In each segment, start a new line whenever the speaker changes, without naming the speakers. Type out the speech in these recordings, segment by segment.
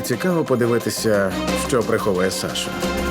цікаво подивитися, що приховує Саша.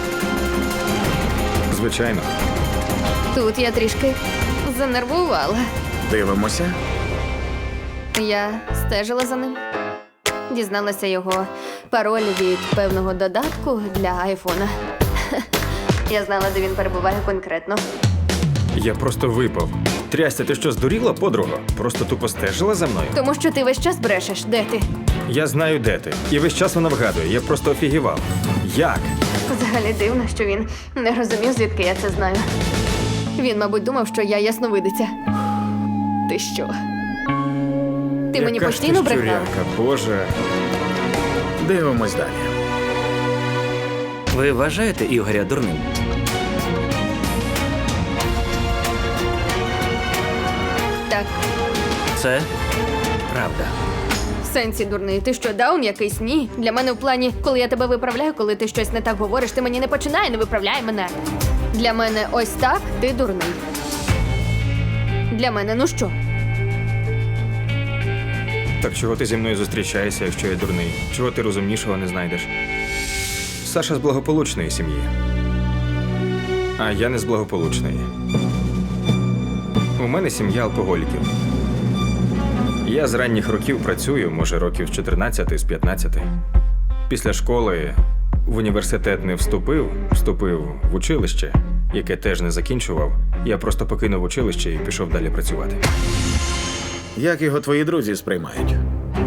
Звичайно.
Тут я трішки занервувала.
Дивимося.
Я стежила за ним. Дізналася його пароль від певного додатку для айфона. Я знала, де він перебуває конкретно.
Я просто випав. Трясся, ти що, здуріла, подруга? Просто тупо стежила за мною?
Тому що ти весь час брешеш. Де ти?
Я знаю, де ти. І весь час вона вгадує. Я просто офігівав. Як?
Взагалі дивно, що він не розумів, звідки я це знаю. Він, мабуть, думав, що я ясновидиця. Ти що? Ти мені
Яка ж
постійно
ти
брехала?
щуряка, Боже.
Дивимось далі.
Ви вважаєте Ігоря дурним?
Так,
Це правда.
в сенсі дурний. Ти що, даун якийсь? Ні. Для мене в плані, коли я тебе виправляю, коли ти щось не так говориш, ти мені не починай, не виправляй мене. Для мене ось так ти дурний. Для мене, ну що?
Так чого ти зі мною зустрічаєшся, якщо я дурний? Чого ти розумнішого не знайдеш? Саша з благополучної сім'ї. А я не з благополучної. У мене сім'я алкоголіків. Я з ранніх років працюю, може, років з 14, з 15. Після школи в університет не вступив в училище, яке теж не закінчував. Я просто покинув училище і пішов далі працювати.
Як його твої друзі сприймають?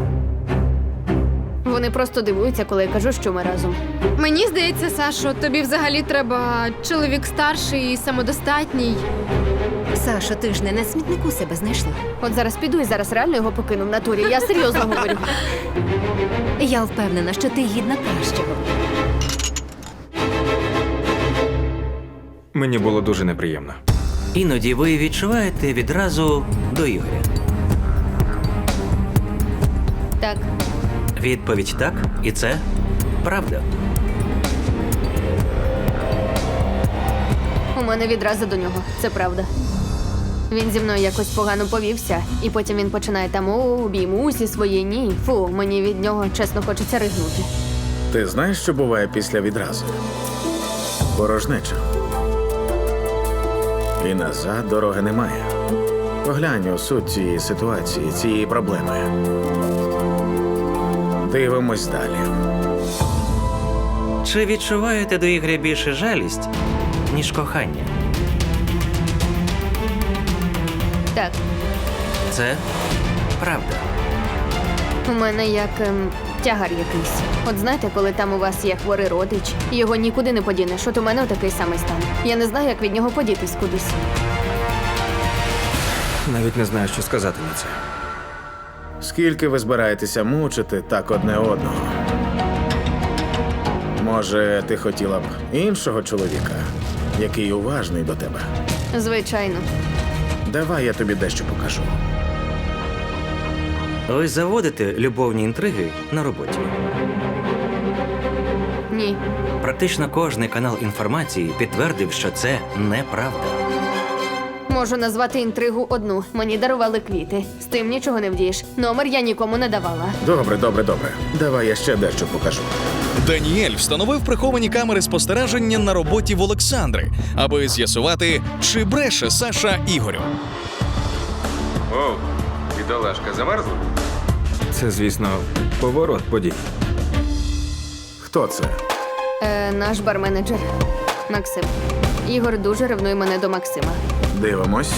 Вони просто дивуються, коли я кажу, що ми разом.
Мені здається, Сашо, тобі взагалі треба чоловік старший і самодостатній.
Сашо, ти ж не на смітнику себе знайшла.
От зараз піду і зараз реально його покину в натурі. Я серйозно говорю.
Я впевнена, що ти гідна кращого.
Мені було дуже неприємно.
Іноді ви відчуваєте відразу до Ігоря.
Так,
Відповідь так, і це правда.
у мене відразу до нього. Це правда. Він зі мною якось погано повівся, і потім він починає там обіймусь і своє ні. Фу, мені від нього чесно хочеться ригнути.
Ти знаєш, що буває після відразу? Порожнеча. І назад дороги немає. Поглянь у суть цієї ситуації, цієї проблеми. Дивимось далі.
Чи відчуваєте до Ігоря більше жалість, ніж кохання?
Так,
Це правда.
у мене як тягар якийсь. От знаєте, коли там у вас є хворий родич, і його нікуди не подінеш, от у мене такий самий стан. Я не знаю, як від нього подітись кудись.
Навіть не знаю, що сказати на це.
Скільки ви збираєтеся мучити так одне одного? Може, ти хотіла б іншого чоловіка, який уважний до тебе?
Звичайно.
Давай я тобі дещо покажу.
Ви заводите любовні інтриги на роботі.
Ні.
Практично кожний канал інформації підтвердив, що це неправда.
Можу назвати інтригу одну. Мені дарували квіти. З тим нічого не вдієш. Номер я нікому не давала.
Добре. Давай я ще дещо покажу.
Даніель встановив приховані камери спостереження на роботі в Олександри, аби з'ясувати, чи бреше Саша Ігорю.
Оу, бідолашка, замерзла? Це, звісно, поворот подій.
Хто це?
Наш барменеджер Максим. Ігор дуже ревнує мене до Максима.
Дивимось.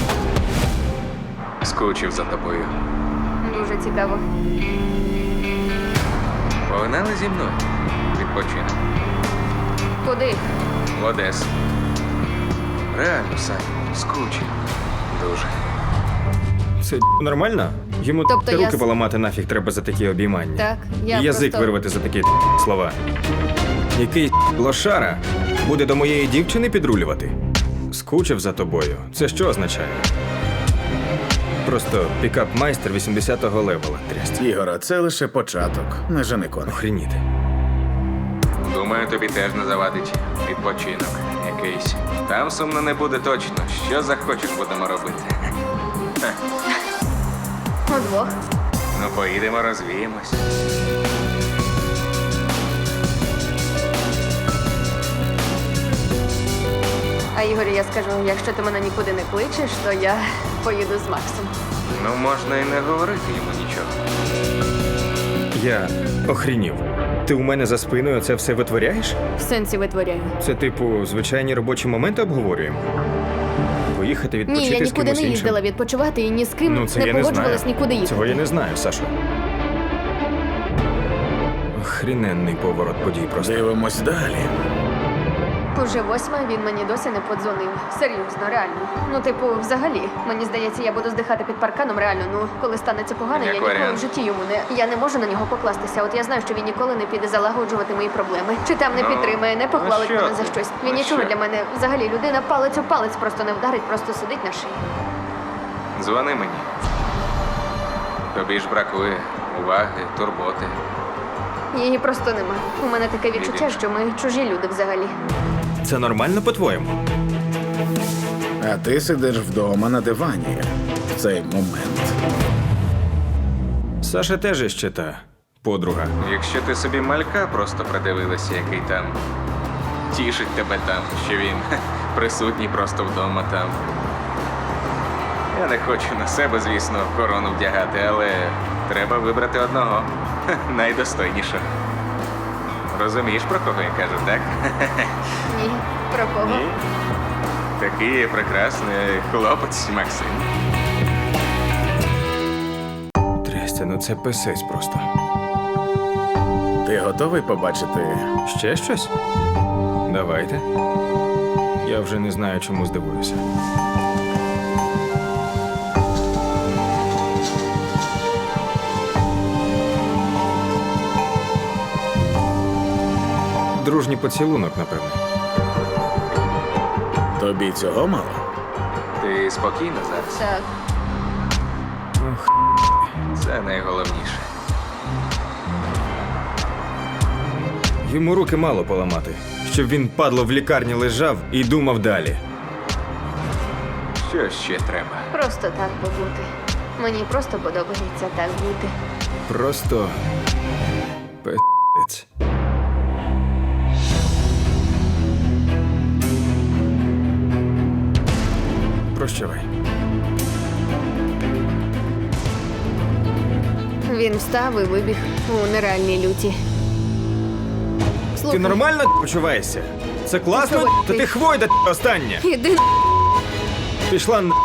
Скучив за тобою.
Дуже цікаво.
Погнали зі мною. Відпочинок.
Куди?
В Одесу. Реально, Сань, скучив. Дуже. Це нормально? Йому
Тобто
руки
я
поламати нафіг треба за такі обіймання.
Так, я
І язик
просто...
вирвати за такі слова. Який лошара буде до моєї дівчини підрулювати? Скучив за тобою. Це що означає? Просто пікап-майстер 80-го левела трясця.
Ігора, це лише початок. Не жени коник.
Охреніти.
Думаю, тобі теж не завадить відпочинок якийсь. Там сумно не буде точно. Що захочеш, будемо робити.
Удвох.
Ну, поїдемо, розвіємось.
А Ігорю я скажу, якщо ти мене нікуди не кличеш, то я поїду з Максом.
Ну, можна і не говорити йому нічого.
Я охрінів. Ти у мене за спиною це все витворяєш?
В сенсі витворяю.
Це, типу, звичайні робочі моменти обговорюємо? Поїхати
Ні,
відпочити
я
з
нікуди
кимось
не
іншим?
їздила відпочивати і ні з ким
Ну, це
не
я не знаю.
погоджувалась нікуди їхати.
Цього я не знаю, Сашо. Охріненний поворот подій просто.
Дивимось далі.
Уже 8, він мені досі не подзвонив. Серйозно, реально. Ну, типу, взагалі, мені здається, я буду здихати під парканом, реально. Ну, коли станеться погано,
Як
я ніколи
варіант.
в житті йому не. Я не можу на нього покластися. От я знаю, що він ніколи не піде залагоджувати мої проблеми. Чи там не
Ну,
підтримає, не похвалить
ну що
мене за
ти?
щось. Він
Ну
нічого
що?
для мене взагалі людина палець у палець просто не вдарить, просто сидить на шиї.
Дзвони мені. Тобі ж бракує уваги, турботи.
Її просто нема. У мене таке відчуття, що ми чужі люди взагалі.
Це нормально, по-твоєму?
А ти сидиш вдома на дивані в цей момент.
Саша теж іще та подруга.
Якщо ти собі малька просто придивилася, який там тішить тебе там, що він присутній просто вдома там. Я не хочу на себе, звісно, корону вдягати, але треба вибрати одного найдостойнішого. Розумієш, про кого я кажу, так?
Ні, про кого?
Ні? Такий прекрасний хлопець Максим.
Трястя, ну це писець просто.
Ти готовий побачити?
Ще щось? Давайте. Я вже не знаю, чому здивуюся. Дружній поцілунок, напевно.
Тобі цього мало?
Ти спокійна зараз?
Так.
Це найголовніше.
Йому руки мало поламати, щоб він, падло, в лікарні лежав і думав далі.
Що ще треба?
Просто так побути. Мені просто подобається так бути.
Просто пи***ць. Прощавай.
Він встав і вибіг у нереальній люті.
Ти
Слухай,
нормально почуваєшся? Це класно?
Слухай,
Та
ти-
ти хвойда остання.
Іди на.
Пішла на.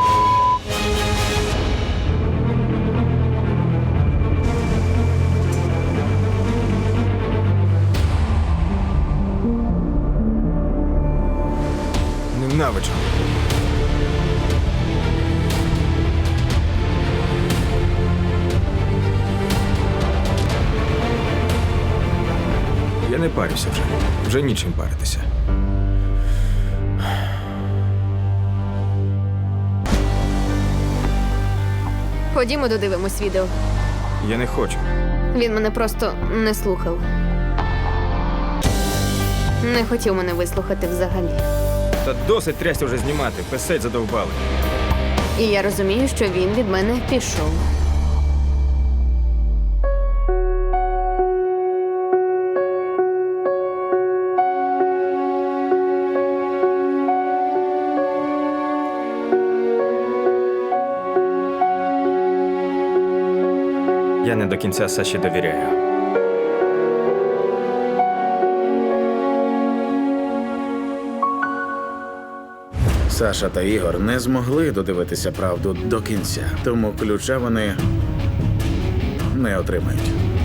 Ненавиджу. Я не парюся вже. Вже нічим паритися.
Ходімо, додивимось відео.
Я не хочу.
Він мене просто не слухав. Не хотів мене вислухати взагалі.
Та досить трясся вже знімати, писать задовбали.
І я розумію, що він від мене пішов.
Я не до кінця Саші довіряю.
Саша та Ігор не змогли додивитися правду до кінця, тому ключа вони не отримають.